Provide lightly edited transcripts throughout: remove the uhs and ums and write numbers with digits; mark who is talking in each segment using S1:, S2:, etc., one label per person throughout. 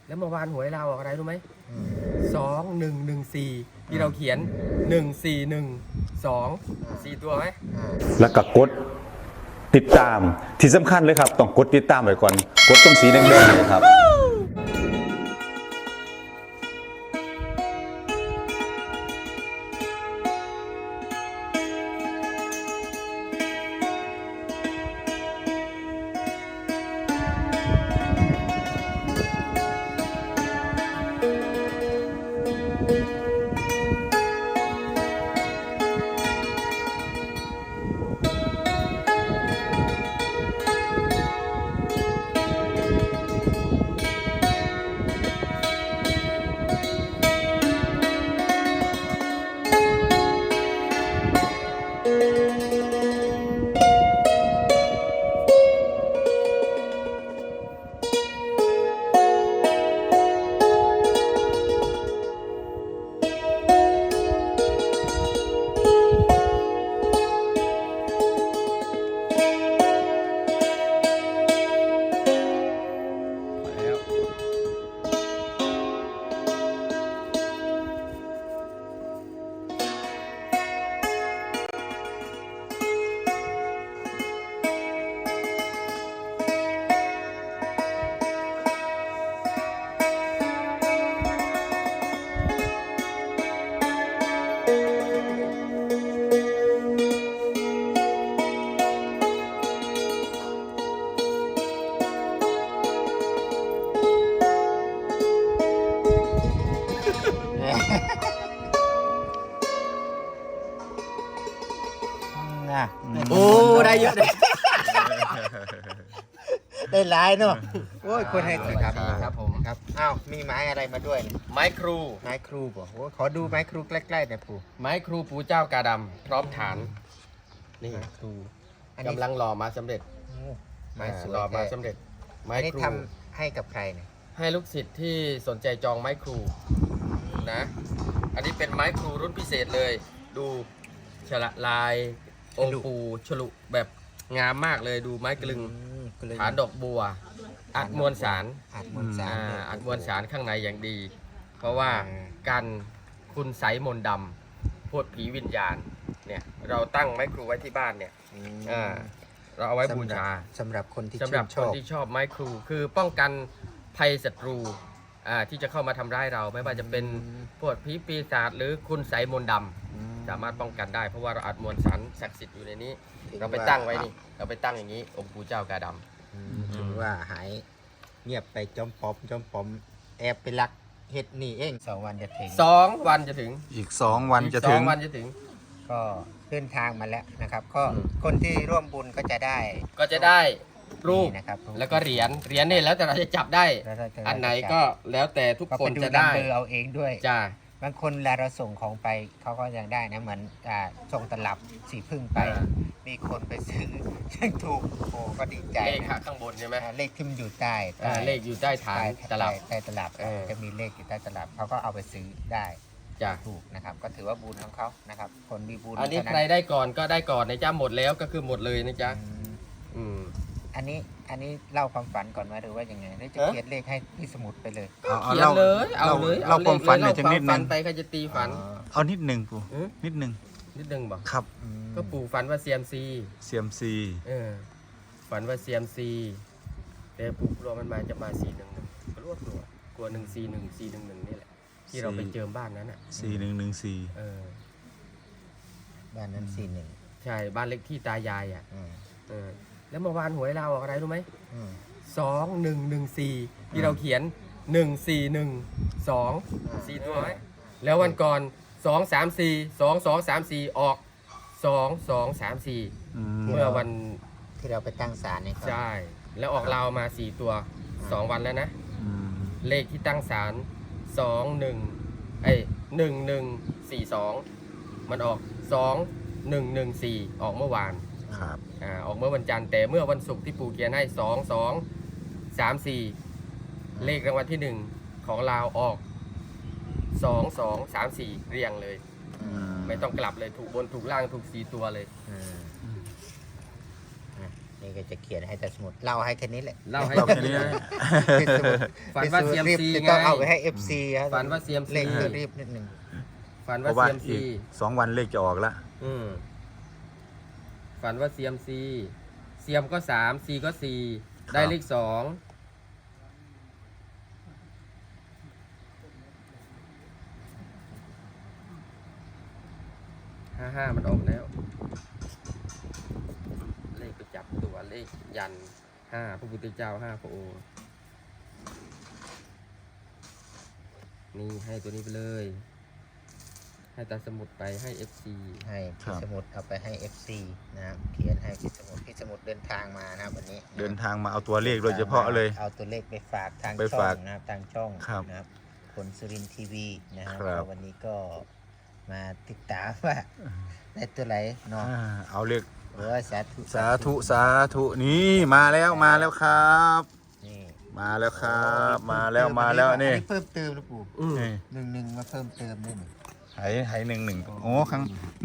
S1: แล้วเมื่อวานหวยเราออกอะไรรู้ไหม2114ที่เราเขียน1412 4 ตัวไหม
S2: แล้วก็กดติดตามที่สำคัญเลยครับต้องกดติดตามไว้ก่อนกดตรงสีแดงๆเลยครับ
S1: โอ้ได้เยอะเลย
S3: ได้หลายเนาะโอ้ยคนให้ครับ
S1: ครับผม
S3: ครับอ้าวมีไม้อะไรมาด้วยเนี่ย
S1: ไม้ครู
S3: ไม้ครูบ่โอ้ขอดูไม้ครูใกล้ๆหน่อยปู่
S1: ไม้ครูปู่เจ้ากาดำพร้อมฐานนี่
S3: ไม้ครูอันนี้
S1: กำลังหล่อมาสำเร็จ
S3: โอ้ไม้สวย
S1: หล่อมา
S3: แท้
S1: สำเร็จไม้
S3: อันนี้
S1: ครู
S3: ทำให้กับใครเนี่ย
S1: ให้ลูกศิษย์ที่สนใจจองไม้ครูนะ อันนี้เป็นไม้ครูรุ่นพิเศษเลย ดูฉละลายองค์ปู่ฉลุแบบงามมากเลยดูไม้กลึง
S3: ก็เลย
S1: ฐานดอกบัว อัดมวลสาร
S3: อัดมวลสารเนี่ย
S1: อัดมวลสารข้างในอย่างดี เพราะว่า
S3: อืม
S1: กันคุณไสมนต์ดำพวกผีวิญญาณเนี่ยเราตั้งไม้ครูไว้ที่บ้านเนี่ย
S3: อืม
S1: เราเอาไว้บูชา
S3: สำหรับคนที่
S1: สำหรับ
S3: ช
S1: คน
S3: อบ
S1: ที่ชอบไม้ครูคือป้องกันภัยศัตรูที่จะเข้ามาทำร้ายเราไม่ว่าจะเป็นพวกผีปีศาจหรือคุณไสมนต์ดำสามารถป้องกันได้เพราะว่าเราอัดมวลสารศักดิ์สิทธิ์อยู่ในนี้ เราไปตั้งไว้นี่เราไปตั้งอย่างนี้องค์ปู่เจ้ากาดำ
S3: ถือว่าหายเงียบไปจอมปอมแอบไปลักเฮ็ดนี่เอง2 วันจะถึง
S1: 2 วันจะถึง
S2: อีก2 วันจะถึง
S1: 2 วันจะถึง
S3: ก็เดินทางมาแล้วนะครับ ก็
S1: อืม
S3: คนที่ร่วมบุญก็จะได้
S1: ก็จะได้รูป
S3: นี่นะครับ
S1: แล้วก็เหรียญนี่แล้วแต่เราจะจับได้
S3: แล้วเราจะ
S1: อันไหนก็แล้วแต่ทุก
S3: ก็
S1: ค
S3: ไป
S1: น
S3: ดู
S1: จะ
S3: นัม
S1: ได้
S3: เบอร์เอาเองด้วย
S1: จ้า
S3: บางคนเวลาเราส่งของไปเขาก็ยังได้นะเหมือนส่งตลับสีพึ่งไป มีคนไปซื้อ ซึ่งถูกโอ้ก็ดีใจ
S1: เลข
S3: นะ
S1: ข้างบนใช่ไหม
S3: เลขที่มันอยู่ใต้
S1: เลขอยู่ใต้ฐานตลับ
S3: ใต้ตลับ
S1: เออ
S3: จะมีเลขอยู่ใต้ตลับเขาก็เอาไปซื้อได้
S1: จ้า
S3: ถูกนะครับ ก็ถือว่าบุญของเขานะครับ คนมีบุญ
S1: อันนี้
S3: เท่า
S1: ใครได้ก่อนก็ได้ก่อนนะจ๊ะหมดแล้วก็คือหมดเลยนะจ๊ะ
S3: อืม
S1: อืม
S3: อันนี้เล่าความฝันก่อนไหมหรือว่ายังไงหรือจะ
S1: เอ๊ะ
S3: เขียนเลขให้ที่สมุดไปเลย
S1: เขียนเลยเอาเลย
S2: เล่าความฝันหน่อย
S1: เล่
S2: จังนิดนึง
S1: ฝันไปใครจะตีฝัน
S2: เอานิดหนึ่งปู่
S1: อืม
S2: นิดหนึ่ง
S1: นิดนึงบอก
S2: ครับ
S1: ก็ปู่ฝันว่าเซียมซี
S2: CMC
S1: ฝันว่าเซียมซีแต่ปู่กลัวมันมาจะมา411กลัวกลัว141411นี่แหละที่เราไปเจิมบ้านนั้นอ่ะ
S2: 4114
S1: เออ
S3: บ้านนั้น41
S1: ใช่บ้านเล็กที่ตายายอ่ะแล้วเมื่อวานหวยเราออกอะไรรู้ไหม2114ที่เราเขียน1412 4 ตัวไหมแล้ววันก่อน234ออก2234เมื่อวัน
S3: ที่เราไปตั้งศาลเนี่ยครับ
S1: ใช่แล้วออกเรามา4 ตัว 2 วันแล้วนะ เลขที่ตั้งศาล1142มันออก2114ออกเมื่อวาน
S2: ครับ
S1: ออกเมื่อวันจันทร์แต่เมื่อวันศุกร์ที่ปู่เขียนให้2234เลขรางวัลที่ 1 ของเราออก2234เรียงเลย ไม่ต้องกลับเลยถูกบนถูกล่างถูก4 ตัวเลย
S3: นี่นี่ก็จะเขียนให้แต่สมุดเล่าให้แค่นี้แหละ
S1: เล่าให้
S2: เรา
S1: แค่
S2: แค่
S1: นี้
S2: นี้
S1: นะ
S2: นะ
S1: ฝันว่า CMC
S3: จะ
S1: ไง
S3: ต้องเอาไปให้ FC ครับ
S1: ฝันว่า CMC
S3: เล่นรีบนิดนึง
S1: ฝัน
S2: เพ
S1: ว่า
S2: ราะว่า
S1: CMC
S2: อีก2 วันเลขจะออกละ
S1: ฝันว่า CMC เซียมก็3 C ก็4ได้เลข2 55มันออกแล้ว เลขประจับตัวเลขยัน5พระพุทธเจ้า5พระองค์นี่ให้ตัวนี้ไปเลย ให้ตาสมุดไปให้ FC
S3: ให้พี่สมุดเอาไปให้ FC นะครับเขียนให้พี่สมุดเดินทางมานะครับวันนี้
S2: เดินทางมาเอาตัวเลขโดยเฉพาะเลย
S3: เอาตัวเลขไปฝากทาง
S2: ไป
S3: ช่อ
S2: ฝาก
S3: งนะครับทางช่อง
S2: ครับ
S3: นะครับคนสุรินทร์ทีวีนะครับ
S2: ครับ
S3: วันนี้ก็มาติดตามว่าได้ตัวไหนเนาะ
S2: เอาเลข
S3: โอ้ยสาธุ
S2: สาธุสาธุนี่มาแล้วครับ
S3: นี่
S2: มาแล้วครับมาแล้วนี่
S3: เพิ่มเติมนะปู่
S2: นี่
S3: หนึ่งมาเพิ่มเติมด้วยนี่
S2: ไห11โอ้ครั้ง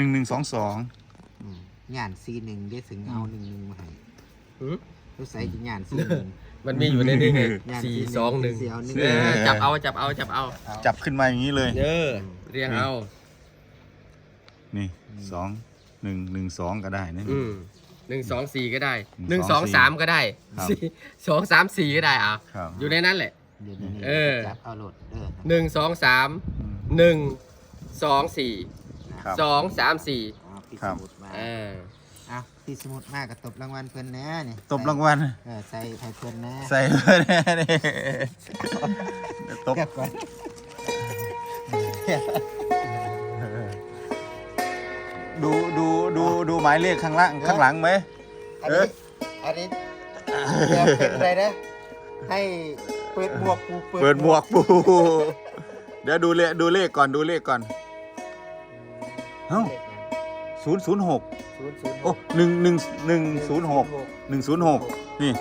S2: 1122
S3: งานC1ได้ถึงเอา11มาให้
S1: หือ
S3: รู้ใส่งานC1
S1: มันมีอยู่ในนี้ไง
S3: ย่าง
S1: 4
S3: ที่
S1: 2
S3: หนึ่งสี่เอาหนึ่ง
S1: 1จับเอา
S2: จับขึ้นมาอย่างนี้เลย
S1: เรียงเอา
S2: นี่2 1 1 2ก็ได้นะ
S1: 1 2 4 ก็ได้
S2: 1
S1: 1 2 3 ก็ได้
S2: ครับ
S1: 2 3 4 ก็ได้อ่ะ
S2: ครับ
S1: อยู่ในนั้นแหละ
S3: เดี๋ยวนี้
S1: เออ
S3: จับเอาโหลดเด้อ
S1: 1 2 3 1 2 4
S2: ครับ
S1: 2 3 4
S3: เอาพี่
S2: ครั
S3: ส
S2: บ
S3: มุดมา
S1: อ่า
S3: เอาพี่สมุดมากกับตบรางวัลเพิ่นแน่นี่
S2: ตบรางวัล
S3: ใส่ให้เพิ่นแน่
S2: ใส่เพื่อนนี่ตบ
S3: เก็บก่อน
S2: ดูหมายเลขข้างหลังไหม
S3: อันนี้อันนี้แบบเป็นอะไรนะให้เปิดหมวกปู
S2: เปิดหมวกปูเดี๋ยวดูเลขก่อนเอ้า006โอ้106นี่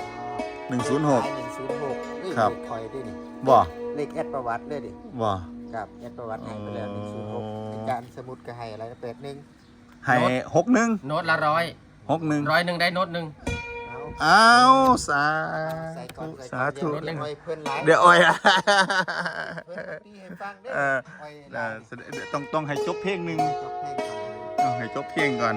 S2: 106 ครับ
S3: คอยด้วยนี่
S2: บ่
S3: เลขแอดประวัติเลยดิ
S2: บ่
S3: ครับแอดประวัติให้ไปแล้ว106การสมุดก็ให้อะไรนะ81
S2: ให้61
S1: โน้ตละ100 100ได้โน้ตหนึ่ง
S3: เอา
S2: อ้าวสา
S3: ใส่ก่อน
S2: สาธุ
S3: เดี๋ยวไว้เพื่อนไลฟ์
S2: เดี๋ยวอ้อยอะ
S3: เพื่อนที่ให้ฟังเด้อ
S2: เออ
S3: ไว้ไลฟ์
S2: เดี๋ยวต้องให้จบเพลงหนึ่ง
S3: จบเพลงก่อน
S2: ต้องให้จบเพลงก่อน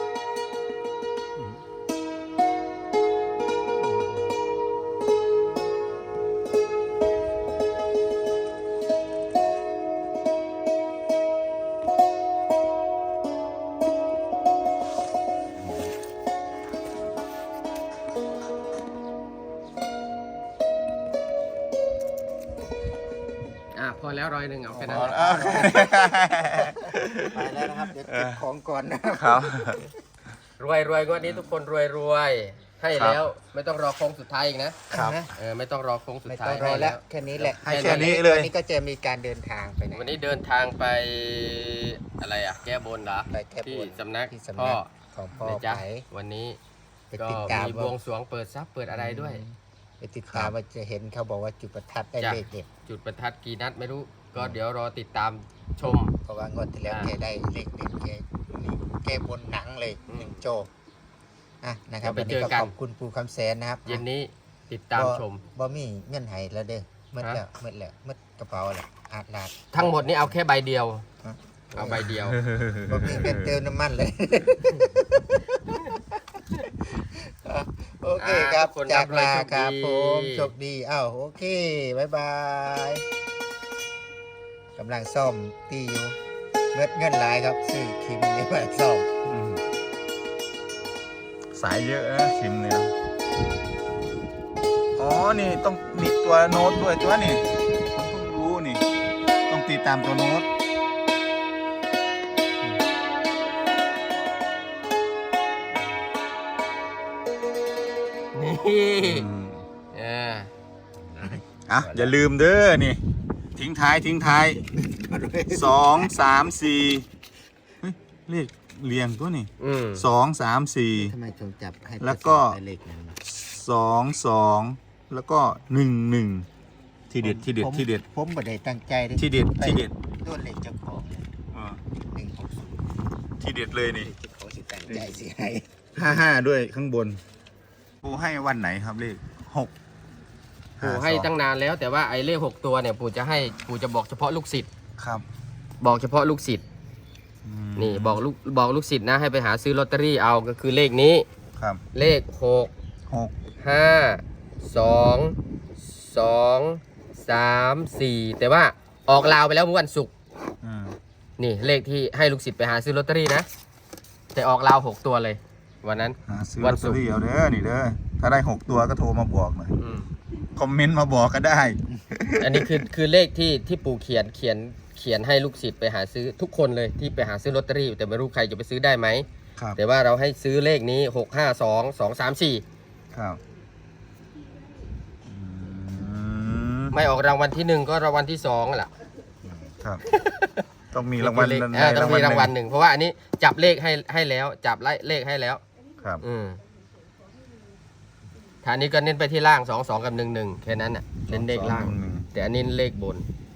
S1: พอแล้ว100เอาแค่นั้น
S3: ไปแล้วนะครับ เดี๋ยวเก็บของก่อนนะครับ
S1: รวยงวดนี้ทุกคนรวยให้แล้วไม่ต้องรอโค้งสุดท้ายอีกนะครับ ไม่ต้องรอโค้งสุด
S3: ไม่
S1: ท้า
S3: ต้
S1: ย
S3: องรอแล้วแค่นี้แหละ
S2: ให้แค่นี้เลย
S3: วันนี้ก็จะมีการเดินทางไปไหน
S1: วันนี้เดินทางไปอะไรอ่ะแก้บนเหรอ
S3: ไปแก้บน
S1: ที่สำนัก
S3: ที่สำนัก
S1: พ่อ
S3: ของพ่อ
S1: นะจ๊ะ
S3: ไป
S1: วันนี้
S3: ไป
S1: ก็
S3: ติดตาม
S1: มีบวงสรวงเปิดทรัพย์เปิดอะไรด้วย
S3: ไปติดตามว่าจะเห็นเขาบอกว่าจุดประทัดได้
S1: จ้ะ
S3: เลขเด็ด
S1: จุดประทัดกี่นัดไม่รู้ ก็เดี๋ยวรอติดตามชม
S3: เพราะว่างวดที่แล้วแกได้เลขเด็ดแกบนหนังเลย
S1: อืม
S3: หนึ่งโจนะครับ
S1: เดี๋
S3: วั
S1: ยวน ไป
S3: นี้
S1: เจ
S3: ก็
S1: อกัน
S3: ขอบคุณปูคำแสนนะครับ
S1: เย็นนี้ติดตามชม
S3: บ่มีเงื่อนไขแล้วเด้อมืด
S1: ฮะ
S3: แล้วมืดกระเป๋าแล้วอาดลาด
S1: ทั้งหมดนี้เอาแค่ใบเดียว
S3: ฮะ
S1: เอาใบเดียว
S3: บ่มีเงินเติมน้ำมันเลย โอเคครับ
S1: คน
S3: จากลา
S1: รับ
S3: ครับ
S1: โช
S3: ผ
S1: คดี
S3: มโชคดีอ้าวโอเคบ๊ายบายกำลังซ่อมตีอยู่เงินหลายครับซื้อคิมนี่มาซ่อม
S2: สายเยอะนะคิมเนี่ยอ๋อนี่ต้องมีตัวโน้ตด้วยตัวนี่ผมเพิ่งรู้นี่ ต้องตีตามตัวโน้ต
S1: นี่
S2: อืม
S1: เออ
S2: อย่าลืมเด้อนี่ ทิ้งท้าย2 3 4เฮ้ยเลขเรียงตัวนี่2 3 4
S3: ทำไมถึงจับให้
S2: แล้วก็
S3: เป็นเลขนั้นวะ
S2: 2 แล้วก็1 ที่เด็ด
S3: ผมบ่ได้ตั้งใจลย
S2: ที่เด็ด
S3: ตัวเลขเจ้าของเลย
S2: เออ
S3: 160
S2: ที่เด็ดเลยนี่
S3: เลขเจ้าของสิตั้งใจสิให้
S2: 55ด้วยข้างบน
S4: ปูให้วันไหนครับเลข6
S1: ปู่ให้ตั้งนานแล้วแต่ว่าไอ้เลข6ตัวเนี่ยปู่จะบอกเฉพาะลูกศิษย์
S4: ครับ
S1: บอกเฉพาะลูกศิษย์
S4: อืม
S1: นี่บอกลูกศิษย์นะให้ไปหาซื้อลอตเตอรี่เอาก็คือเลขนี้
S4: ครับ
S1: เลข6
S4: 6
S1: 5 2 2 3 4แต่ว่าออกลาวไปแล้วเมื่อวันศุกร์
S4: อืม
S1: นี่เลขที่ให้ลูกศิษย์ไปหาซื้อลอตเตอรี่นะแต่ออกลาว6ตัวเลยวันนั้น
S4: หาซื้อ
S1: วั
S4: ลอน ต
S1: ศุ
S4: เตอก
S1: ร์
S4: รี่เอาเด้อนี่เด้อถ้าได้6ตัวก็โทรมาบอกหน่อย
S1: อืม
S4: คอมเมนต์มาบอกก็ได้
S1: อันนี้คือเลขที่ปู่เขียนให้ลูกศิษย์ไปหาซื้อทุกคนเลยที่ไปหาซื้อลอตเตอรี่แต่ไม่รู้ใครจะไปซื้อได้ไหม
S4: ครับ
S1: แต่ว่าเราให้ซื้อเลขนี้6 5 2 2 3 4
S4: ครับอืม
S1: ไม่ออกรางวัลที่ 1 ก็รางวัลที่2แหละ
S4: ครับ ต้องมีรางวัล
S1: เลข
S4: ใน
S1: ต้องมีรางวัล
S4: ห
S1: หนึ่งเพราะว่าอันนี้จับเลขให้แล้วจับเลขให้แล้ว
S4: ครับ
S1: ฐานนี้ก็เน้นไปที่ล่าง2 2กับ1 1แค่นั้นน่ะเน้นเลขล่าง
S4: 2
S1: แต่อันนี้เลขบน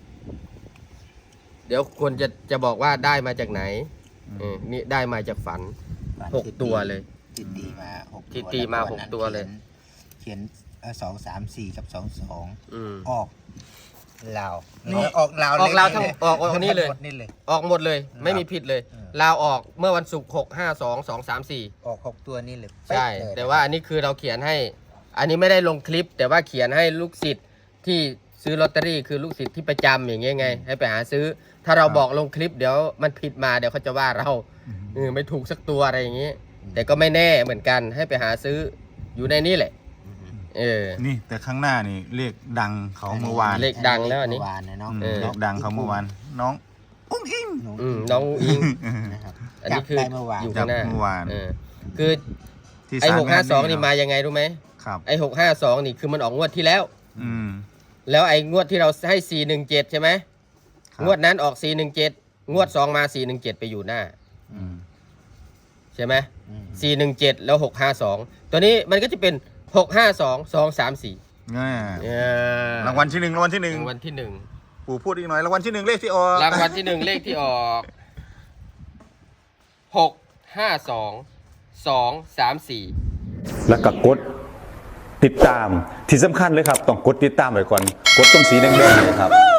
S1: เดี๋ยวคนจะบอกว่าได้มาจากไหนนี่ได้มาจากฝัน 6 ตัวเลย
S3: ที่ตีมา6
S1: ที่ตีมา6ตัวเลย
S3: เขียน2 3 4 กับ2
S1: อืม
S3: 2ออกลาวออกลาว
S1: ออกลาวทั้งออกนี่เลย
S3: นี่เลย
S1: ออกหมดเลยไม่มีผิดเลย ลาวออกเมื่อวันศุกร์6 5 2 2 3 4
S3: ออก6ตัวนี่เลย
S1: ใช่
S3: เป๊ะเลย
S1: แต่ว่าอันนี้คือเราเขียนให้ อันนี้ไม่ได้ลงคลิป แต่ว่าเขียนให้ลูกศิษย์ที่ซื้อลอตเตอรี่คือลูกศิษย์ที่ประจำอย่างเงี้ยไง ให้ไปหาซื้อ ถ้าเราบอกลงคลิปเดี๋ยวมันผิดมาเดี๋ยวเขาจะว่าเราไม่ถูกสักตัวอะไรอย่างงี้ แต่ก็ไม่แน่เหมือนกันให้ไปหาซื้ออยู่ในนี้แหละ
S4: นี่แต่ข้างหน้านี่เลขดังเขาเมื่อวาน
S1: เลขดังแล้วอันนี้
S3: เมื่อวานนะเนาะ
S4: เลขดังเขาเมื่อวานน้องอุ้งอิง
S1: น้องอิง
S3: นะครับ
S1: อันนี้คือ
S3: จับได้เมื่อวาน
S1: อยู่ข้างหน้า
S4: จับเมื่อวาน
S1: คือ
S4: ที่
S1: ไอ้
S4: ศาล
S1: 652นี่มายังไงรู้ไหม
S4: ครับ
S1: ไอ้652นี่คือมันออกงวดที่แล้ว
S4: อืม
S1: แล้วไอ้งวดที่เราให้417ใช่ไหม
S4: ครับ
S1: งวดนั้นออก417งวด2มา417ไปอยู่หน้า
S4: อืม
S1: ใช่ไหม
S3: อืม
S1: 417แล้ว652ตัวนี้มันก็จะเป็น652 234
S4: แง่รางวัลที่หนึ่งรางวัลที่หนึ่ง
S1: รางวัลที่
S4: ปู่พูดอีกหน่อยรางวัลที่หนึ่งเลขที่ออก
S1: 1รางวัลที่ 1 เลขที่ออก652 234
S2: แล้วก็กดติดตามที่สำคัญเลยครับ ต้องกดติดตามไว้ก่อน กดตรงสีแดงๆเลยครับ